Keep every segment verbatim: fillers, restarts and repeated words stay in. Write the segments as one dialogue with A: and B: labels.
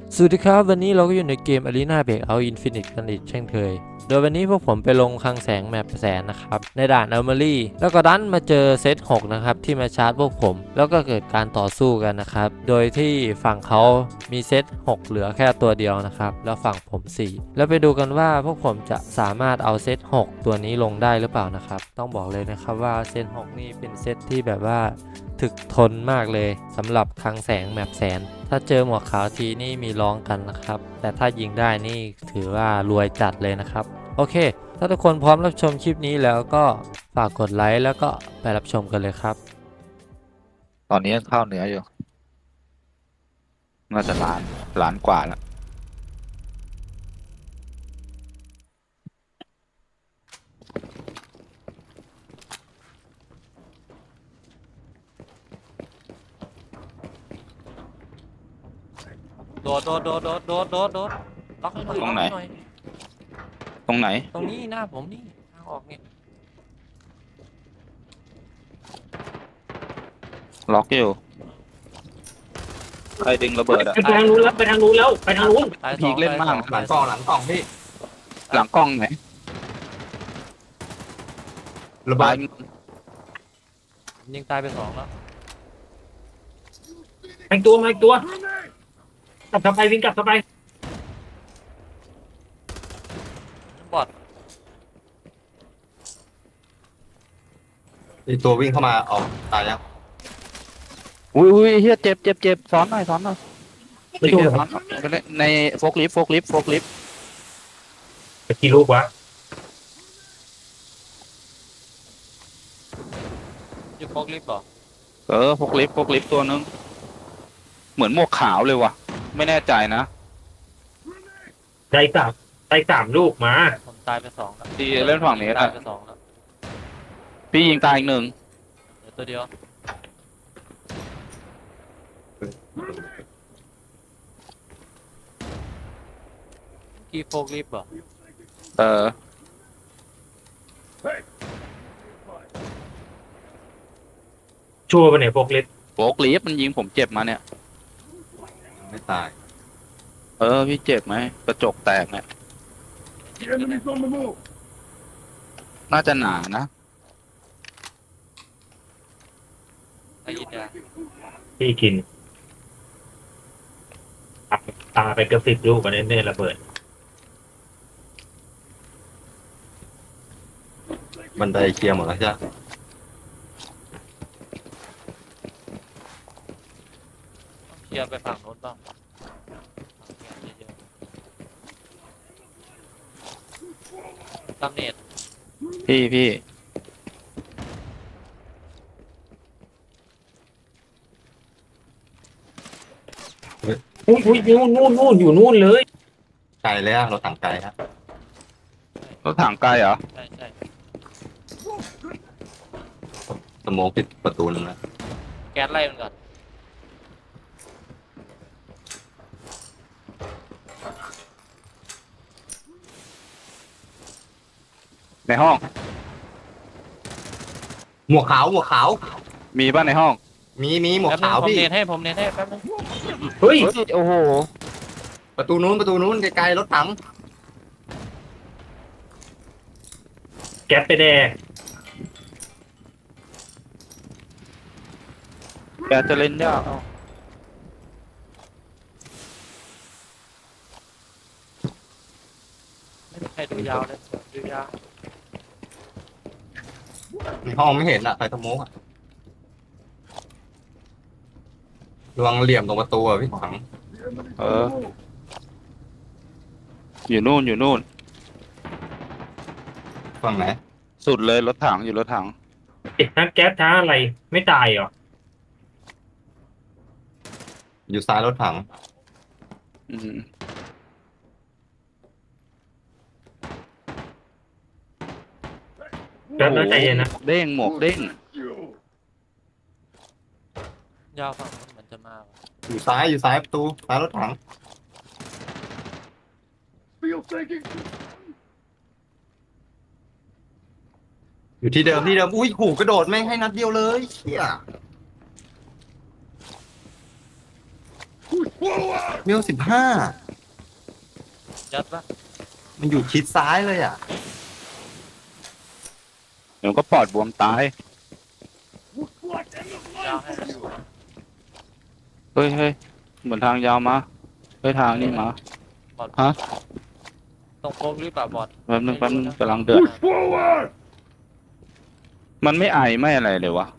A: สวัสดีครับวันนี้เราก็อยู่ในเกม Arena Breakout Infinite กันอีกเช่นเคยโดยวันนี้พวกผมไปลงคลังแสงแมปแสนนะครับในด่านอัลเมอรี่แล้วก็ดันมาเจอเซตหกนะครับที่มาชาร์จพวกผมแล้วก็เกิดการต่อสู้กันนะครับโดยที่ฝั่งเขามีเซตหกเหลือแค่ตัวเดียวนะครับแล้วฝั่งผมสี่แล้วไปดูกันว่าพวกผมจะสามารถเอาเซตหกตัวนี้ลงได้หรือเปล่านะครับต้องบอกเลยนะครับว่าเซตหกนี่เป็นเซตที่แบบว่าถึกทนมากเลยสำหรับคลังแสงแมปแสนถ้าเจอหมวกขาวทีนี่มีร้องกันนะครับแต่ถ้ายิงได้นี่ถือว่ารวยจัดเลยนะครับโอเคถ้าทุกคนพร้อมรับชมคลิปนี้แล้วก็ฝากกดไลค์แล้วก็ไปรับชมกันเลยครับ
B: ตอนนี้เข้าเหนืออยู่น่าจะล้านล้านกว่าแล้ว
A: โดดโดดโดดโดดโดดโดดโดดล็อกให้หน่อย
B: ตรงไหน
A: ล็อกให้น่อย
B: ตรงไหน
A: ตรงนี้หน้าผมนี่ทางออกเนี่ย
B: ล็อกอยู่ใครดึงระเบิดอะ
C: ไปทางนู้นแล้วไปทางนู้นแล้วไปทางนู้น
A: ตายส
B: พี
A: อง
B: คเล่นมาก
A: ตายสอง
D: หลังกล่องหลังกล่องพี่
B: หลังกล้องไหน
D: ระเบิ
B: ตาย
D: ด
A: ยิงตายไปสองแล้ว
C: แทงตัวมาอีกตัวกลับเข้าไปวิ่งกลับเข้าไป
A: บอด
D: อีตัววิ่งเข้ามาออกตายยัง
B: อุ้ยอุ้ยเฮียเจ็บเจ็บเจ็บซ้อนหน่อยซ้อนหน่อย
C: ไม่ถูก
B: ซ้อนหน่อยไปเล่นในโฟกลิฟต์โฟกลิฟต์โฟกลิฟต์
C: ไปกี่ลูกวะ
A: อยู่โฟกลิฟต์เหรอ
B: เออโฟกลิฟต์โฟกลิฟต์ตัวนึงเหมือนหมวกขาวเลยว่ะไม่แน่ใจนะ
C: ได้สามได้สามลูกมา
A: ผมตายไปสองแล้ว
B: ที่เล่นฝั่งนี้
A: ตา
B: นะ
A: ยไปสองแล้ว
B: พี่ยิงตายอีกหนึ่ง
A: เดี๋ยวตัวเดียวกี่โฟกลิฟต์เหรอ
B: เออ
C: ชัวร์ไปไหนพวกเล็ด
B: โฟกลิฟต์มันยิงผมเจ็บมาเนี่ย
D: ไม่ตาย
B: เออพี่เจ็บไหมกระจกแตกเนี่ยน่าจะหนานะ
A: ไอ้ยินยา
C: พี่กินตาตาไปเกือบสิบลูกกันเน่ๆระเบิด
D: บันไดเคลียร์หมดแล้วจ้ะ
A: เคลียร์ไปฝั่งโน้นบ้างเยอะๆตำเนต
B: พี่พี่
C: อุ้ยอุ้ยนู่นนู่นนู่นอยู่นู่นเลย
D: ไกลแล้วเราต่างไกลครับ
B: รถถังไกลเหรอ
A: ใช่ใช่
D: สโมกปิดประตูนึงแล้ว
A: แก๊สไล่มันก่อน
B: ในห้อง
D: หมวกขาวหมวกขาว
B: มีป่ะในห้อง
D: มีมีหมวก
A: แป๊บนึ
D: ขาง ว
A: ผม
D: พี่
A: เนตให้ผมเนตให้แป๊บนึง
C: เฮ้ย
B: เฮ้ยโอ้โห
D: ประตูนู้นประตูนู้นไกลๆรถถัง
C: แก๊สไปแดก
B: แกจะเล่นยาก
A: ไม่มีใครดูยาวเลยดูยาว
D: ในห้องไม่เห็นอ่ะใครสโมกอ่ะระวังเหลี่ยมตรงประตูอ่ะพี่ถัง
B: เออ อยู่นู่นอยู่นู่น
D: ฝั่งไหน
B: สุดเลยรถถังอยู่รถถัง
C: เอ๊ะทั้งแก๊สทั้งอะไรไม่ตายเหรอ
D: อยู่ซ้ายรถถัง
B: อืม
C: แก๊สน่าใจเย็นนะ
B: เด้งหมวกเด้ง
A: ยาวฝั่งโน้นเหมือนจะมาว่ะ
D: อยู่ซ้ายอยู่ซ้ายประตูซ้ายรถถังอยู่ที่เดิมที่เดิมอุ้ยขู่กระโดดแม่งให้นัดเดียวเลยเชี่ยเวลสิบห้า
A: ยัดปะ
D: มันอยู่ชิดซ้ายเลยอ่ะ
B: เดี๋ยวก็ปอดบวมตาย
A: ยาวให้มันอยู่
B: เฮ้ยเฮ้ยเหมือนทางยาวมาเฮ้ยทางนี่มา
A: บอด
B: ฮะ
A: ตรงโค้งหรือเปล่าบอด
B: แป๊บนึงแป๊บนึงกำลังเดือดมันไม่ไอไม่อะไรเลยวะ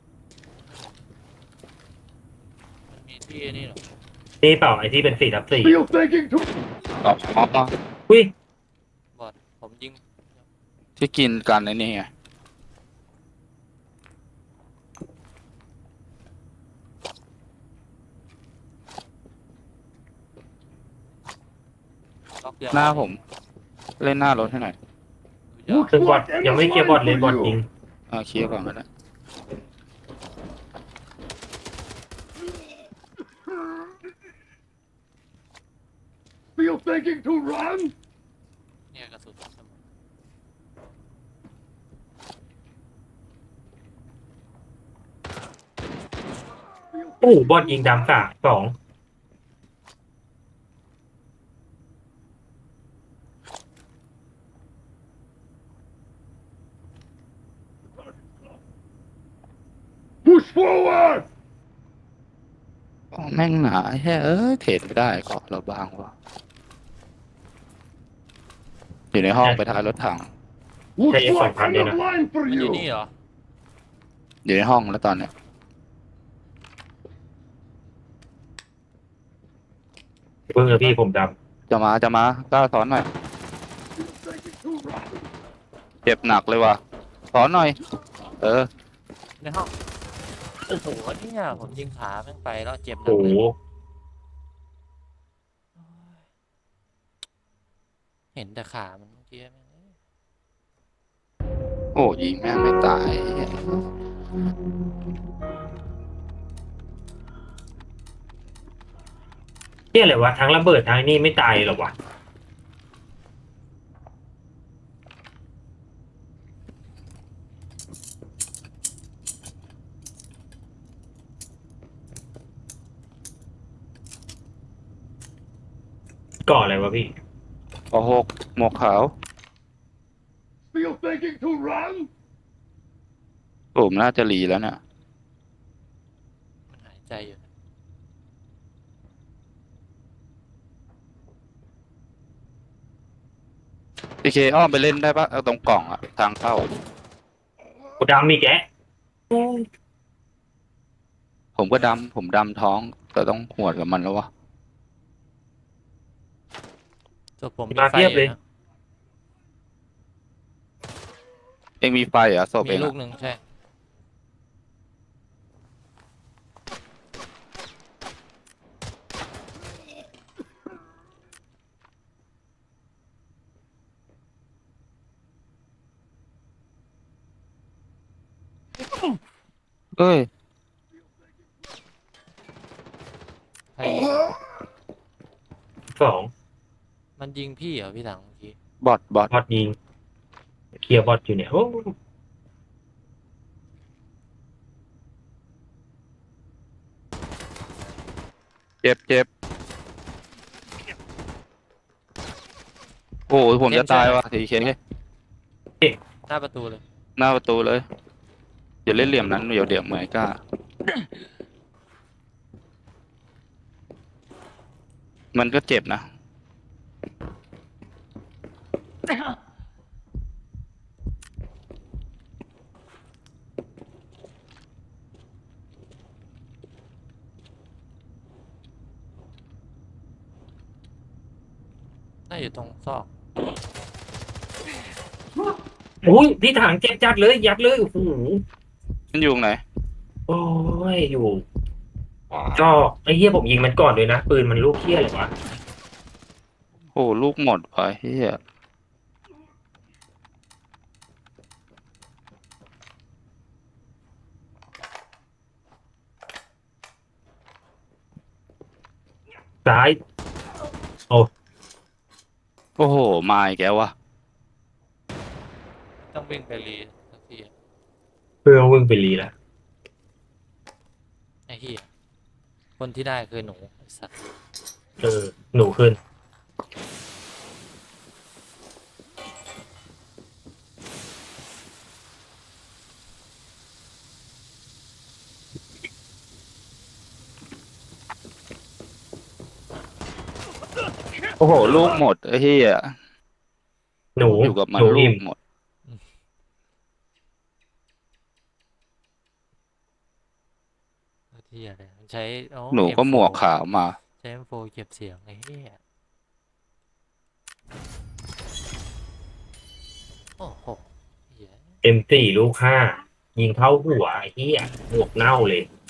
A: มันมีที่นี่เหรอ
C: นี่เปล่าไอ้ที่เป็นสี่ทับสี่
B: อ๋ออ๋อ
C: อุ้ย
A: บอดผมยิง
B: ที่กินกันไอ้นี่ไง
A: ล็อกเดียว
B: หน้าผม เล่นหน้ารถให้หน่อย
A: ดูยาว
C: ซึ่งบอดยังไม่เคลียร์บอดเลยบอดยิง
B: อ่าเคลียร์ก่อนก็ได้
A: เนี่ยกระสุนสมอง
C: โอ้โหบอดยิงดำสามสอง
B: อ๋อแม่งหนาแค่เอ้ยเทรดไม่ได้เกาะเราบางวะอยู่ในห้องไปท้ายรถถัง
C: ใช้เอฟสองพันเนี่ยนะ
A: มันอยู่นี่เหรอ
B: อยู่ในห้องแล้วตอนเนี้ย
C: เพิ่งเลยพี่ผมด
B: จะมาจะมาก้าวสอนหน่อยเจ็บหนักเลยว่ะสอนหน่อย เออ
A: ในห้องโอ้โหเนี่ยผมยิงขาแม่งไปแล้วเจ็บ
C: ำ
A: หนั
C: โอ้
A: ก
C: โห
A: เลยเห็นแต่ขามันเมื่อกี้แม่ง
B: โอ้ยิงแม่งไม่ตาย
C: เนี่ยอะไรวะทั้งระเบิดทั้งนี่ไม่ตายเหรอวะก่ออะไรวะพี่
B: ปหกหมวกขาวผมน่าจะหลีแล้วเนี่ย
A: มันหายใจอยู่นะ
B: พีเคอ้อมไปเล่นได้ปะเอาตรงกล่องอะทางเข้า
C: กูดำมีแกะ
B: ผมก็ดำผมดำท้อง แต่ต้องหวดกับมันแล้ววะ
A: ส่วนผม
C: มาเทียบเลย
A: นะ
B: เองมีไฟเหรอศพ
A: มี
B: เอง
A: ลู
B: อะ
A: กหนึ่งใช่
B: เอ้ย
A: ใคร
C: สอง
A: มันยิงพี่เหรอพี่ถังเมื่อกี้
B: บอทบอท
C: บอดยิงเคลียร์บอดอยู่เนี่ยโอ้
B: เจ็บเจ็บโอ้ยผมจะตายว่ะทีเค
A: หน้าประตูเลย
B: หน้าประตูเลยอย่าเล่นเหลี่ยมนั้นเดี๋ยวเดี๋ยวเหมือนกล้า มันก็เจ็บนะ
A: น่าอยู่ตรงซอก
C: โอ้ยพี่ถังเจ็บจัดเลยยัดเลยโอ้โห
B: มันอยู่ตรงไหน
C: โอ้ยอยู่ก็ไอ้เหี้ยผมยิงมันก่อนเลยนะปืนมันลูกเหี้ยเลยวะ
B: โอ้ลูกหมดไปเฮีย
C: ซ้าย
B: โอ้โหมาอีกแล้ววะ
A: ต้องวิ่งไปรีสักทีอะ
C: เพื่อวิ่งไปรีแล้ว
A: ไอ้เหี้ยคนที่ได้คือหนูไอ้สัตว์
C: เออหนูขึ้น
B: โอ้โห ลูกหมดไอ้เหี้ย
C: หนู
B: อยู่กับมั
C: ห
B: น
C: นู
B: ลู
C: อิ่
B: ก
C: ม
B: หมด
A: ที่อะไรมันใช้อ๋อ
B: หนูก็
A: เอ็ม โฟร์
B: หมวกขาวมา
A: ใช้ เอ็ม โฟร์ เก็บเสียงไอ้เหี้ยโอ้โหเหี้ย
C: เอ็มสี่ลูกห้ายิงเข้าหัวไอ้เหี้ยหมวกเน่าเลย